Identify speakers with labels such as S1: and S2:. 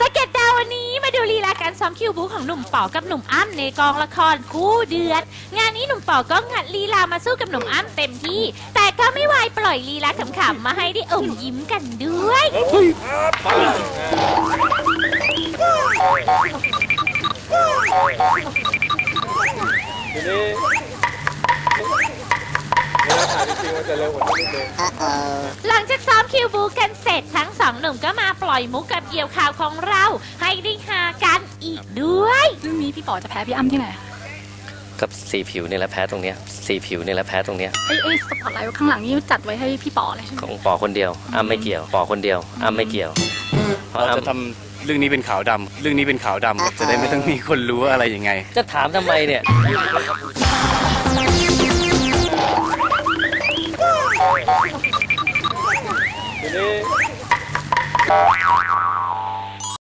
S1: สเก็ตดาววันนี้มาดูลีลาการซ้อมคิวบูของหนุ่มป๋อกับหนุ่มอ้ำในกองละครคู่เดือดงานนี้หนุ่มป๋อก็งัดลีลามาสู้กับหนุ่มอ้ำเต็มที่แต่ก็ไม่วายปล่อยลีลาขำๆมาให้ได้อมยิ้มกันด้วย
S2: ทีนี้เวลาถ่ายจริงๆมันจะเร็วกว่านี้นิดนึง
S1: หลังจากซ้อมคิวบูกันเสร็จทั้งสองหนุ่มก็มาปล่อยมุกกับเกี่ยวข่าวของเราให้ได้ฮากันอีกด้วย
S3: เรื่องนี้พี่ป๋อจะแพ้พี่อ้ำที่ไหน
S4: กับสีผิวนี่แหละแพ้ตรงเนี้ยสีผิวนี่แหละแพ้ตรงเนี้ย
S3: ไอ้สปอตไลท์ข้างหลังนี่จัดไว้ให้พี่ป๋อเลยใช่ไหม
S4: ของปอคนเดียวอ้ำไม่เกี่ยวปอคนเดียวอ้ำไม่เกี่ยวเพราะ
S5: เรา
S4: อ้ำ
S5: จะทำเรื่องนี้เป็นขาวดำเรื่องนี้เป็นขาวดำจะได้ไม่ต้องมีคนรู้ว่าอะไรยังไง
S4: จะถามทำไมเนี่ย
S2: ทีนี้